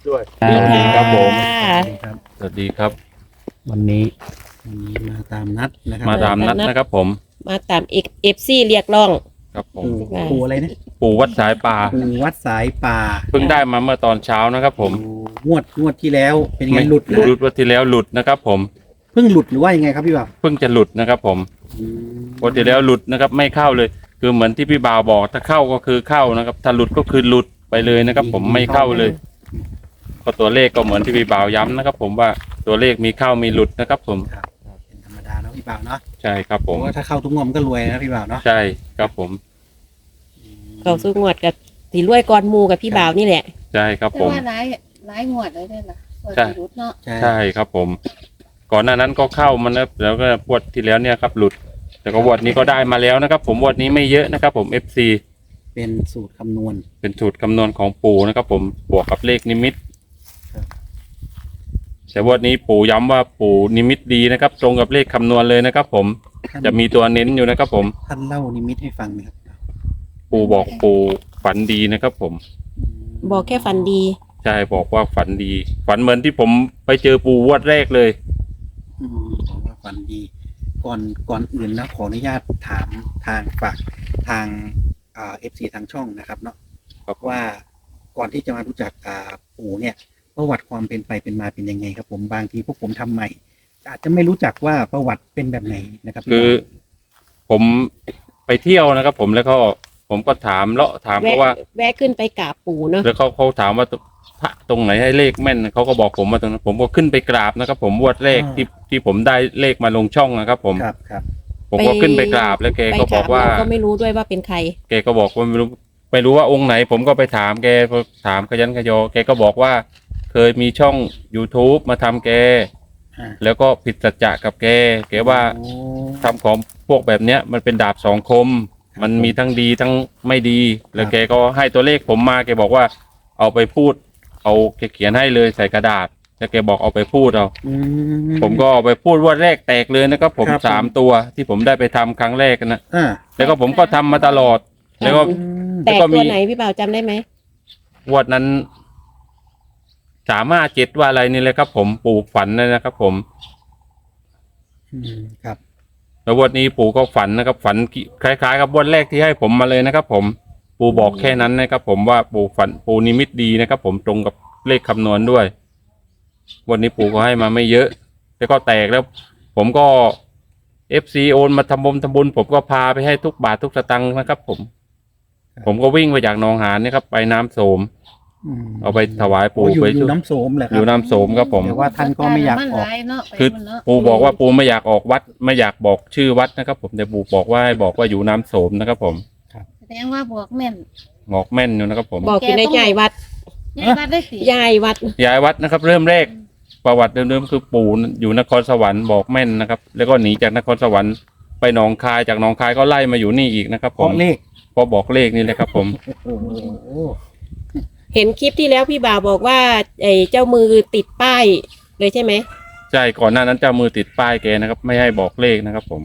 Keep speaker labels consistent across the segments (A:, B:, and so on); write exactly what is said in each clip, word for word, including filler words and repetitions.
A: ด้วย
B: สวัสดีครับผม
C: ครับ
B: สวัสดีครับ
C: วันนี้
A: วันนี้มาตามนัดนะครับ
B: มาตามนัดนะครับผม
D: มาตามเอฟเอฟซีเรียกร้อง
B: ครับผม
A: ปู่ปู่อะไรนะ
B: ปู่วัดสายป่า
A: ปู่วัดสายป่า
B: เพิ่งได้มาเมื่อตอนเช้านะครับผม
A: ปู่งวดงวดที่แล้วเป็นยังไง
B: ไม่
A: หลุดนะ
B: หลุดวันที่แล้วหลุดนะครับผม
A: เพิ่งหลุดหรือว่ายังไงครับพี่บ่าว
B: เพิ่งจะหลุดนะครับผม
A: อืม
B: วันที่แล้วหลุดนะครับ ไม่เข้าเลย คือเหมือนที่พี่บ่าวบอกถ้าเข้าก็คือเข้านะครับ ถ้าหลุดก็คือหลุดไปเลยนะครับ ผมไม่เข้าเลยก็ตัวเลขก็เหมือนที่พี่บ่าวย้ำนะครับ ผมว่าตัวเลขมีเข้ามีหลุดนะครับ ผม
A: ครับเป็นธรรมดาเนาะพี่บ่าวเนาะ
B: ใช่ครับ
A: เพ
B: ผม
A: ราะว่าถ้าเข้าทุกงวดมันก็รวยนะพี่บ่าวเนาะ
B: ใช่ครับผม
D: เขาสู้งวดกับสีรวยกอนหมูกับพี่บ่าวนี่แหละ
B: ใช่ครับ
E: แต่
B: ผม
E: ว่าหลายหลายงวดเลยเนี่ยล่ะส่วน
B: ใช่
E: ที่รุดเนาะ
A: ใช่
B: ใช่ครับผม ก่อนหน้านั้นก็เข้ามันแล้วแล้วก็วดที่แล้วเนี่ยครับหลุด แต่ก็วดนี้ก็ได้มาแล้วนะครับ ผมวดนี้ไม่เยอะนะครับ ผม เอฟ ซี
A: เป็นสูตรคำนวณ
B: เป็นสูตรคำนวณของปู่นะครับ ผมบวกกับเลขนิมิต
A: ครับ
B: แต่วดนี้ปู่ย้ำว่าปู่นิมิตดีนะครับ ตรงกับเลขคำนวณเลยนะครับ ผม
A: ท่าน
B: จะมีตัวเน้นอยู่นะครับ ผม
A: ท่านเล่านิมิตให้ฟังไหมครับ
B: ปู่บอกปู่ฝันดีนะครับ ผม
A: ม
D: บอกแค่ฟันดี
B: ใช่บอกว่าฝันดี ฝันเหมือนที่ผมไปเจอปู่วดแรกเลย
A: อืมบอกว่าฝันดี ก่อนก่อนอื่นนะขออนุญาตถามทางฝากทางอ่าเอฟซีทางช่องนะครับเนาะ
B: ครับ
A: ว่าก่อนที่จะมารู้จักอ่าปู่เนี่ย ประวัติความเป็นไปเป็นมาเป็นยังไงครับ ผมบางทีพวกผมทำใหม่ อาจจะไม่รู้จักว่าประวัติเป็นแบบไหนนะครับ
B: คือผมไปเที่ยวนะครับ ผมแล้วก็ผมก็ถามเลาะถาม
D: แวะ
B: เขาว่า
D: แวะขึ้นไปกราบปู่เนาะ
B: แล้วเขาเขาถามว่าพระตรงไหนให้เลขแม่นเขาก็บอกผมมาตรงนั้นผมก็ขึ้นไปกราบนะครับ ผมวดเลขที่ที่ผมได้เลขมาลงช่องนะครับ ผม
A: ครับครับ
B: ผมก็ขึ้นไปกราบแล้วแก
D: ไป
B: ก็บอกว่า
D: ถมเรก็ไม่รู้ด้วยว่าเป็นใคร
B: แกก็บอกว่าไม่รู้ไม่รู้ว่าองค์ไหน ผมก็ไปถามแกพอถามขยันขยอแกก็บอกว่าเคยมีช่อง YouTube มาทำแก
A: อ่า
B: แล้วก็ผิดสัจจะกับแกแกว่า
A: โอ้
B: ทำของพวกแบบเนี้ยมันเป็นดาบสองคม มันมีทั้งดีทั้งไม่ดี แล้วแกก็ให้ตัวเลขผมมาแกบอกว่าเอาไปพูด เอาแกเขียนให้เลยใส่กระดาษแล้วแกบอกเอาไปพูดเอา
A: อื
B: ผมก็เอาไปพูดว่าแรกแตกเลยนะครับ ผม
A: ครับผม
B: สามตัวที่ผมได้ไปทำครั้งแรกนะ
A: อ่า
B: แล้วก็ผมก็ทำมาตลอด แล้วก็
A: อืม
D: แต่
B: แล้วก็มี
D: ตัวไหนพี่บ่าวจำได้ไหม
B: งวดนั้นสามารถเจ็ดว่าอะไรนี่เลยครับ ผมปลูกฝันเลยนะครับ ผม
A: อืมครับ
B: แล้ววันนี้ปู่ก็ฝันนะครับ ฝันคล้ายๆกับวันแรกที่ให้ผมมาเลยนะครับ ผมปู่บอกแค่นั้นนะครับ ผมว่าปู่ฝันปู่นิมิตดีนะครับ ผมตรงกับเลขคำนวณด้วย วันนี้ปู่ก็ให้มาไม่เยอะแล้วก็แตกแล้ว ผมก็เอฟซีโอนมาทำบุญทำบุญผมก็พาไปให้ทุกบาททุกสตังค์นะครับ ผม ผมก็วิ่งไปจากหนองหานนี่ครับ ไปน้ำโสม
A: ม
B: เอาไปถวายปู่
A: โอ้อยู่
B: ไป
A: อยู่น้ำโสมเหรอค
B: อ
A: รั
B: ยู่น้ำโสมครับผม
A: แต่ว่าท่านก็ไม่อยากออก
E: นหลเนาะไป
B: คือ
E: มันเนาะ
B: ปู่บอกว่าปู่ไม่อยากออกวัด ไม่อยากบอกชื่อวัดนะครับ ผมแต่ปู่บอกว่าให้บอกว่าอยู่น้ำโสมนะครับ ผม
E: แสดงว่าบวกแม่น
B: งอกแม่นอยู่นะครับ ผม
D: บอกอยู่ในใหญ่วัด
E: ยายวัดได้สิ
D: ยายวัด
B: ย้ายวัดนะครับ เริ่มแรกประวัติเดิมๆคือปู่อยู่นครสวรรค์บอกแม่นนะครับ แล้วก็หนีจากนครสวรรค์ไปหนองคายจากหนองคายก็ไล่มาอยู่นี่อีกนะครับ
A: เพ
B: ผม
A: ราะเลข
B: พอบอกเลขนี่เลยครับ ผม
A: โอ้โห
D: เห็นคลิปที่แล้วพี่บ่าวบอกว่าไอ้เจ้ามือติดป้ายเลยใช่ไหม
B: ใช่ก่อนหน้านั้นเจ้ามือติดป้ายแกนะครับ ไม่ให้บอกเลขนะครับ ผม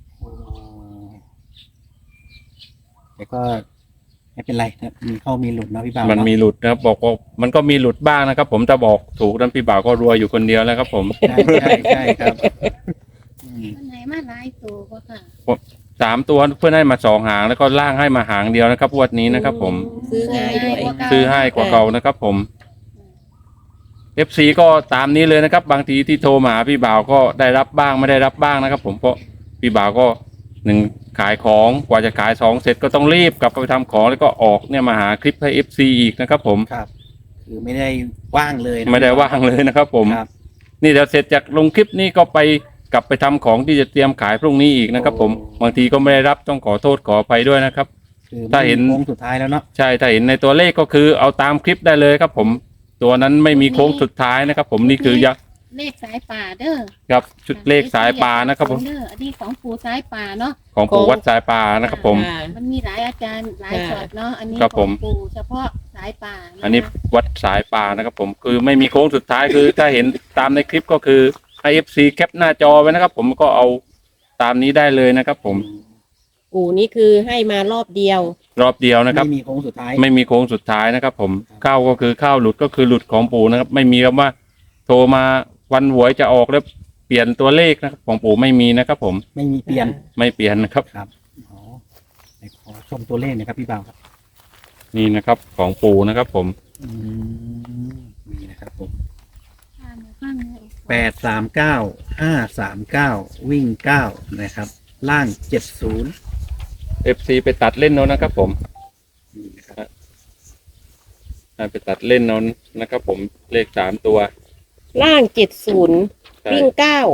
A: แต่ก็ไม่เป็นไรนะมีเข้ามีหลุดเนาะพี่บ่าว
B: มันมี
A: เาะ
B: หลุดนะครับ บอกว่ามันก็มีหลุดบ้างนะครับ ผมจะบอกถูกนั้นพี่บ่าวก็รวยอยู่คนเดียวแล้วครับ ผม
A: ใช่ใช่ใช่ครับอืม
E: มันไหนมาหลายตัวก็ค่ะ
B: สามตัวเพื่อนให้มาสองหางแล้วก็ล่างให้มาหางเดียวนะครับงวันนี้นะครับ ผม
D: ซื้อง่ายด้วย
B: ซื้อให้กว่าเก่านะครับ ผม เอฟซีก็ตามนี้เลยนะครับ บางทีที่โทรมาหาพี่บ่าวก็ได้รับบ้างไม่ได้รับบ้างนะครับ ผมเพราะพี่บ่าวก็หนึ่งขายของกว่าจะขายสองเสร็จก็ต้องรีบกลับไปทำของแล้วก็ออกเนี่ยมาหาคลิปให้เอฟซีอีกนะครับ ผม
A: ครับ คือไม่ได้ว่างเลยนะ
B: ไม่ได้ว่างเลยนะครับ ผม
A: ครับ
B: นี่เดี๋ยวเสร็จจากลงคลิปนี้ก็ไปกลับไปทำของที่จะเตรียมขายพรุ่งนี้อีกนะครับ ผมบางทีก็ไม่ได้รับต้องขอโทษขออภัยด้วยนะครับ
A: คือ
B: ถ้าเห็น
A: โค้งสุดท้ายแล้วเนาะ
B: ใช่ถ้าเห็นในตัวเลขก็คือเอาตามคลิปได้เลยครับ ผมตัวนั้นไม่มีโค้งสุดท้ายนะครับ ผมนี่คือยักษ์
E: เลขสายป่าเด้อ
B: ครับชุดเลขสายปลานะครับ ผม
E: เด้ออันนี้ของปู่สายป่าเนาะ
B: ของปู่วัดสายปลานะครับ ผม
D: อ่า
E: มันมีหลายอาจารย์หลายช็อตเนาะอันนี้
B: ครับ
E: ข
B: ผ
E: อง
B: ม
E: ปู่เฉพาะสายป่าะคะ
B: อันนี้วัดสายปลานะครับ ผมคือไม่มีโค้งสุดท้ายคือ ถ้าเห็นตามในคลิปก็คือให้ เอฟ ซี แคปหน้าจอไว้นะครับ ผมก็เอาตามนี้ได้เลยนะครับ ผม
D: ปู่นี่คือให้มารอบเดียว
B: รอบเดียวนะครับ
A: ไม่มีโค้งสุดท้าย
B: ไม่มีโค้งสุดท้ายนะครับผมเข้าก็คือเข้าหลุดก็คือหลุดของปู่นะครับ ไม่มีคำว่า โทรมาวันหวยจะออกแล้วเปลี่ยนตัวเลขนะครับของปู่ไม่มีนะครับ ผม
A: ไม่มีเปลี่ยน
B: ไม่เปลี่ยนนะครับ
A: ครับอ๋อไหนขอชมตัวเลขหนะครับพี่บ่าวครับ
B: นี่นะครับ ของปู่นะครับ ผม
A: อืมนี่นะครับผม
E: อ่านฟังเลย
A: แปดสามเก้าห้าสามเก้าวิ่งเก้านะครับ ล่างเจ็ดศูนย์
B: เอฟซีไปตัดเล่นเอานะครับ ผม
A: นี่นะครับ
B: ให้ไปตัดเล่นเอานะครับ ผมเลขสามตัว
D: ล่างเจ็ดศูนย์
B: ใช่
D: วิ่งเก้า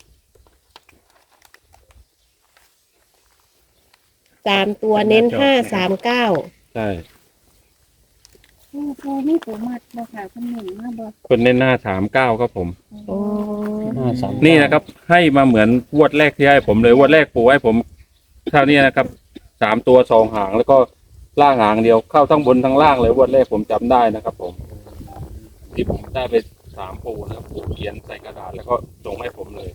D: สามตัวเน้นห้าสามเก้า
B: ใช่
E: ปูปูมีปูมัดบ่ค่ะคนหนึ่งมาบ่
B: คนเล่นหน้าสามเก้าครับผม
D: โอ้
B: นี่นะครับ ให้มาเหมือนงวดแรกที่ให้ผมเลยงวดแรกปู่ให้ผมเท่านี้นะครับสามตัวสองหางแล้วก็ล่างหางเดียวเข้าทั้งบนทั้งล่างเลยงวดแรกผมจำได้นะครับ ผม ที่ผมได้ไปสามปู่นะครับปู่เขียนใส่กระดาษแล้วก็ส่งให้ผมเลย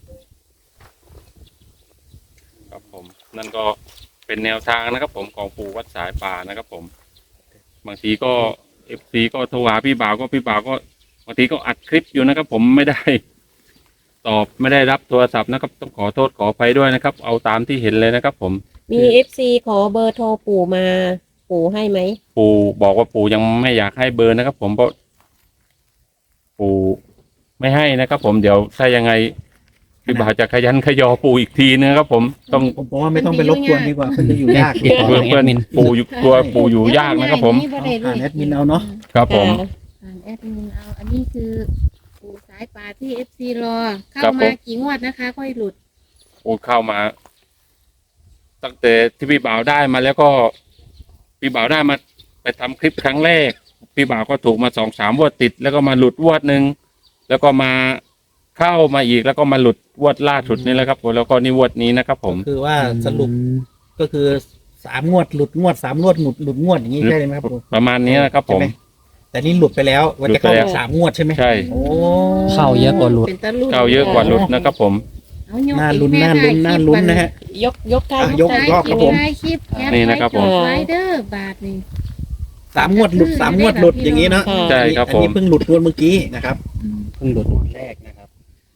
B: ครับผม นั่นก็เป็นแนวทางนะครับ ผมของปู่วัดสายป่านะครับ ผม บางทีก็เอฟซีก็โทรหาพี่บ่าวก็พี่บ่าวก็บางทีก็อัดคลิปอยู่นะครับ ผมไม่ได้ ตอบไม่ได้รับโทรศัพท์นะครับ ต้องขอโทษขออภัยด้วยนะครับ เอาตามที่เห็นเลยนะครับ ผม
D: มีเอฟซีขอเบอร์โทรปู่มาปู่ให้ไหม
B: ปู่บอกว่าปู่ยังไม่อยากให้เบอร์นะครับ ผมเพราะปู่ไม่ให้นะครับ ผมเดี๋ยวถ้ายังไงพี่บ่าวจะขยันขยอปู่อีกทีนะครับ ผมต้อง
A: ผมบอกว่าไม่ต้องไปรบกวนดีกว่าเพื่อนจะอยู่ยาก
B: เพื่อนเพื่อนปู่อยู่ตัวปู่อยู่ยากนะครับ ผม
E: บ่ได้เล
A: ผ่าน
E: ย
A: แอดมินเอาเนาะ
B: ครับผม
D: ค่ะ
E: อ่านแอดมินเอา อันนี้คือปูสายป่าที่เอฟซีรอ เข้า
B: ครับผม
E: มากี่งวดนะคะ ค่อยหลุด
B: ปู่เข้ามา ตั้งแต่ที่พี่บ่าวได้มาแล้วก็ พี่บ่าวได้มาไปทำคลิปครั้งแรก พี่บ่าวก็ถูกมาสองสามวดติด แล้วก็มาหลุดวดหนึ่งแล้วก็มาเข้ามาอีกแล้วก็มาหลุดวดล่าสุดนี่แหละครับผมแล้วก็นี่วดนี้นะครับ ผม
A: คือว่าสรุปก็คือสามงวดหลุดงวดสามงวดหลุดหลุดงวดอย่างนี้ใช่ไหมครับผม
B: ประมาณนี้นะครับ ผม
A: ใช่ไหแต่นี่หลุดไปแล้วว่าจะเข้า
B: หลุดไปแล้ว
A: สามงวดใช่ไหม
B: ใช่
A: โอ้
C: เข้าเยอะกว่าหลุด
E: เป็นตะลุด
B: เข้าเยอะกว่าหลุดนะครับ ผม
E: เอายก
A: น่าลุ้น
E: อีก
A: น่า
E: แม่
A: ลุ้น
E: ถ่
A: น่าย
E: คลิป
A: ลุ้นนะฮะ
D: ยกยกท่า
A: อ่ะ
D: ย
A: ย
D: ก
A: ก
D: ท่า
A: อีกรอบครับผม
E: ถ่ายคลิปแอด
B: นี่นะครับผม
E: ไว้เด้อบาทนี่
A: สามงวดหลุดสามงวดหลุดอย่างนี้เนาะ
B: ใช่ครับ
A: อัน
B: ผม
A: นี้เพิ่งหลุดงวดเมื่อกี้นะครับ
C: เพิ่งหลุดงวดแรกนะครับ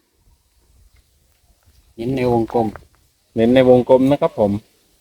C: เน้นในวงกลม
B: เน้นในวงกลมนะครับ ผม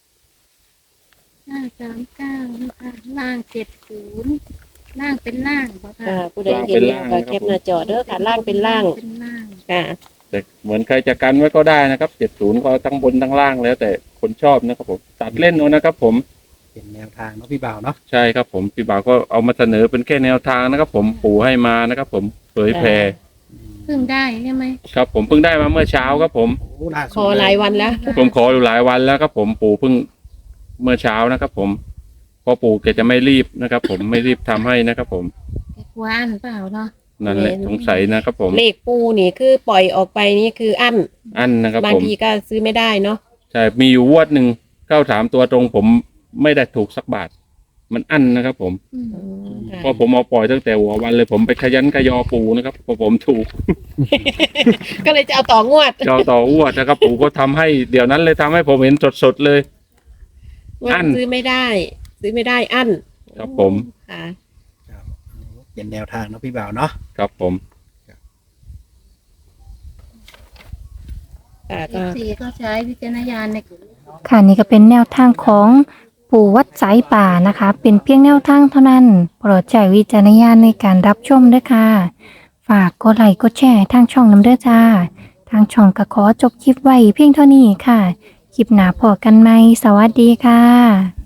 E: ห้าสามเก้านะคะล่างเจ็ดศูนย์ล่างเป็นล่างบ่ค่ะ
D: ค่ะผู้ใดเห็นแล้วก็แคปหน้าจอเด้อค่ะล่างเป็นล่าง
E: เป็นล่าง
D: ค่ะ
B: แต่เหมือนใครจะกันไว้ก็ได้นะครับเจ็ดศูนย์ก็ทั้งบนทั้งล่างแล้ว แต่คนชอบนะครับ ผมตัดเล่นเอานะครับ ผม
A: เป็นแนวทางเนาะพี่บ่าวเนาะ
B: ใช่ครับ ผมพี่บ่าวก็เอามาเสนอเป็นแค่แนวทางนะครับ ผมปู่ให้มานะครับ ผมเผยแพร่
E: เพิ่งได้ใช่ไหม
B: ครับ ผมเพิ่งได้มาเมื่อเช้าครับ ผม
A: โอ้ล่าสุด
D: ขอหลายวันแล้ว
B: ผมขออยู่หลายวันแล้วครับ ผมปู่เพิ่งเมื่อเช้านะครับ ผมเพราะปู่แกจะไม่รีบนะครับ ผมไม่รีบทำให้นะครับ ผม
E: แกกวนเปล่าเนาะ
B: นั่นแหละสงสัยนะครับ ผม
D: เลขปูนี่คือปล่อยออกไปนี่คืออั้น
B: อันนะครับ
D: บาง
B: ผม
D: ทีก็ซื้อไม่ได้เนาะ
B: ใช่มีอยู่งวดหนึ่งเข้าสามตัวตรง ผมไม่ได้ถูกสักบาท มันอั้นนะครับ ผม
E: อืม
D: อืมค่ะ
B: เพราะผมเอาปล่อยตั้งแต่หัววันเลยผมไปขยันขยอปูนะครับพอผมถูก
D: ก็เลยจะเอาต่องวด
B: เจ้าต่ออ้วดนะครับ ปูก็ทำให้เดี๋ยวนั้นเลยทำให้ผมเห็นสดๆเลย
D: ว่า
B: อั้น
D: ซื้อไม่ได้ ซื้อไม่ได้อั้น
B: ครับผม
D: ค่ะ
A: เป็นแนวทางเนาะพี่บ่าวเนาะ
B: ครับผม
D: ค่ะ
E: เอ
D: ก็
E: ฟซีก็ใช้วิจารณญาณในการ
F: ค่ะนี่ก็เป็นแนวทางของปู่วัดสายป่านะคะ เป็นเพียงแนวทางเท่านั้น โปรดใช้วิจารณญาณในการรับชมด้วยค่ะ ฝากกดไลค์กดแชร์ทางช่องน้ำเด้อจ้า ทางช่องก็ขอจบคลิปไว้เพียงเท่านี้ค่ะ คลิปหน้าพอกันไหมสวัสดีค่ะ